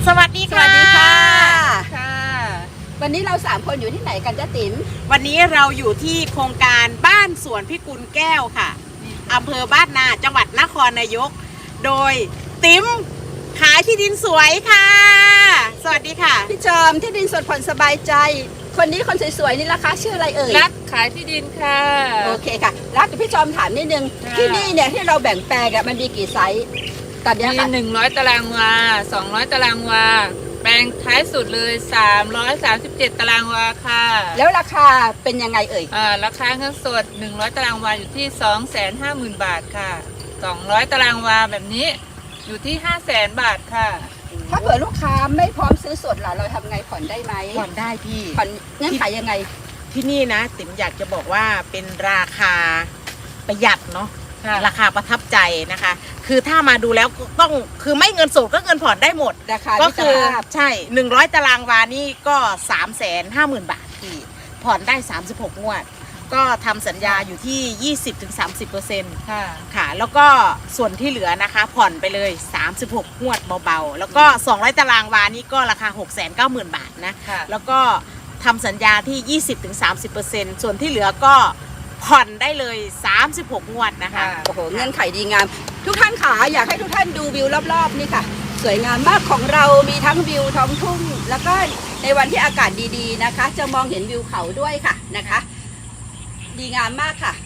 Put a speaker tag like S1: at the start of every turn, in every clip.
S1: สวัสดีค่ะ
S2: ค่ะ วันนี้เรา3คนอยู่ที่ไหนกันจ๊ะติ๋ม
S1: วันนี้เราอยู่ที่โครงการบ้านสวนพิกุลแก้วค่ะอำเภอบ้านนาจังหวัดนครนายกโดยติ๋มขายที่ดินสวยค่ะสวัสดีค่ะ
S2: พี่จอมที่ดินสดผ่อนสบายใจ คนนี้คนสวยๆนี่ราคาชื่ออะไรเอ่ย
S3: รักขายที่ดินค่ะ
S2: โอเคค่ะรักพี่จอมถามนิดนึง
S3: ค่ะ
S2: ที่นี่เนี่ยที่เราแบ่งแปลงมันมีกี่ไซส์ตอนนี้
S3: มี
S2: ค่ะ
S3: 100 ตารางวา 200 ตารางวา แปลงท้ายสุดเลย 337 ตารางวาค่ะ
S2: แล้วราคาเป็นยังไงเอ่ย
S3: ราคาเงินสด 100 ตารางวาอยู่ที่ 250,000 บาทค่ะ 200 ตารางวาแบบนี้อยู่ที่ 500,000 บาทค่ะ
S2: ถ้าเผื่อลูกค้าไม่พร้อมซื้อสดล่ะเราทำไงผ่อนได้ไหม
S1: ผ่อนได้พี่
S2: ผ่อนเงื่อนไขยังไง
S1: ที่นี่นะติ๋มอยากจะบอกว่าเป็นราคาประหยัดเนาะ
S3: ค่ะ
S1: ราคาประทับใจนะคะ คือถ้ามาดูแล้วต้องคือไม่เงินสดก็เงินผ่อนได้หมด
S2: ราคา
S1: ก็
S2: มิต
S1: คื
S2: ร
S1: อ
S2: ภาพ
S1: ใช่100 ตารางวานี่ก็350,000 บาทพี่ผ่อนได้36 งวด ก็ทำสัญญาอยู่ที่ 20-30%
S3: ค่ะ
S1: ค่ะ แล้วก็ส่วนที่เหลือนะคะผ่อนไปเลย 36 งวดเบาๆ แล้วก็200 ตารางวานี่ก็ราคา 690,000 บาทนะ
S3: ค่ะ
S1: แล้วก็ทำสัญญาที่ 20-30% ส่วนที่เหลือก็ผ่อนได้เลย 36 งวดนะคะ
S2: โอ้โหเงื่อนไขดีงาม ทุกท่านค่ะอยากให้ทุกท่านดูวิวรอบๆนี่ค่ะ สวยงามมากของเรามีทั้งวิวท้องทุ่ง แล้วก็ในวันที่อากาศดีๆนะคะ จะมองเห็นวิวเขาด้วยค่ะนะคะ ดีงามมากค่ะ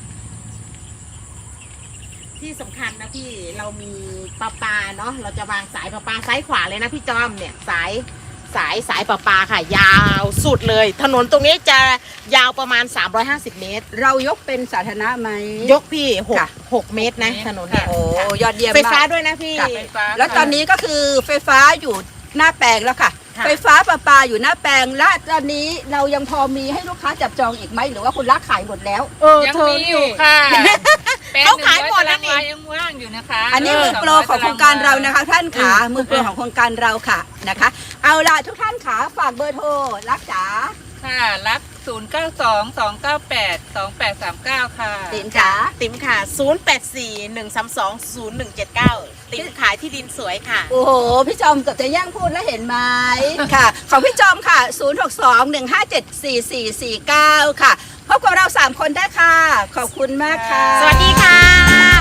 S1: ที่สำคัญนะพี่เรามีประปาเนาะเราจะวางสายประปาซ้ายขวาเลยนะพี่จอมเนี่ยสายประปาค่ะ ยาวสุดเลย ถนนตรงนี้จะยาวประมาณ350 เมตร
S2: เรายกเป็นสาธารณะไหม
S1: ยกพี่
S2: ค่ะ
S1: 6 เมตรนะถนนเนี่ย
S2: โอ้ยอดเยี่ยม
S1: ไฟ
S2: มา
S1: ฟ้าก ด้วยนะพี่
S2: ค่ะ
S3: ไฟฟ้า
S2: แล้วตอนนี้ก็คือไฟฟ้าอยู่หน้าแปลงแล้วค่ะ
S1: ค่ะ
S2: ไฟฟ้าประปาอยู่หน้าแปลงและตอนนี้เรายังพอมีให้ลูกค้าจับจองอีกไหมหรือว่าคุณรักขายหมดแล้ว
S3: ยังมีอยู่ค่ะแปลง
S1: เขาขายหมด
S3: 100
S1: แล้ว
S3: ตาราง
S1: นี่
S3: วายังว่างอยู่นะคะ
S2: อันนี้มือโปรของโครงการเรานะคะ ท่านขามือโปรของโครงการเราค่ะนะคะ เอาล่ะทุกท่านขาฝากเบอร์โทรรักจ๋า
S3: ค่ะ รับ 092-298-2839 ค่ะ
S2: ติ๋มจ๋า
S1: ติ๋มค่ะ 0841320179 ติ๋มขายที่ดินสวยค่ะ
S2: โอ้โหพี่จอมเกือบจะแย่งพูดแล้วเห็นไหมค่ะ ของพี่จอมค่ะ 062-157-4449 ค่ะพบกับเรา3คนได้ค่ะ ขอบคุณมากค่ะ
S1: สวัสดีค่ะ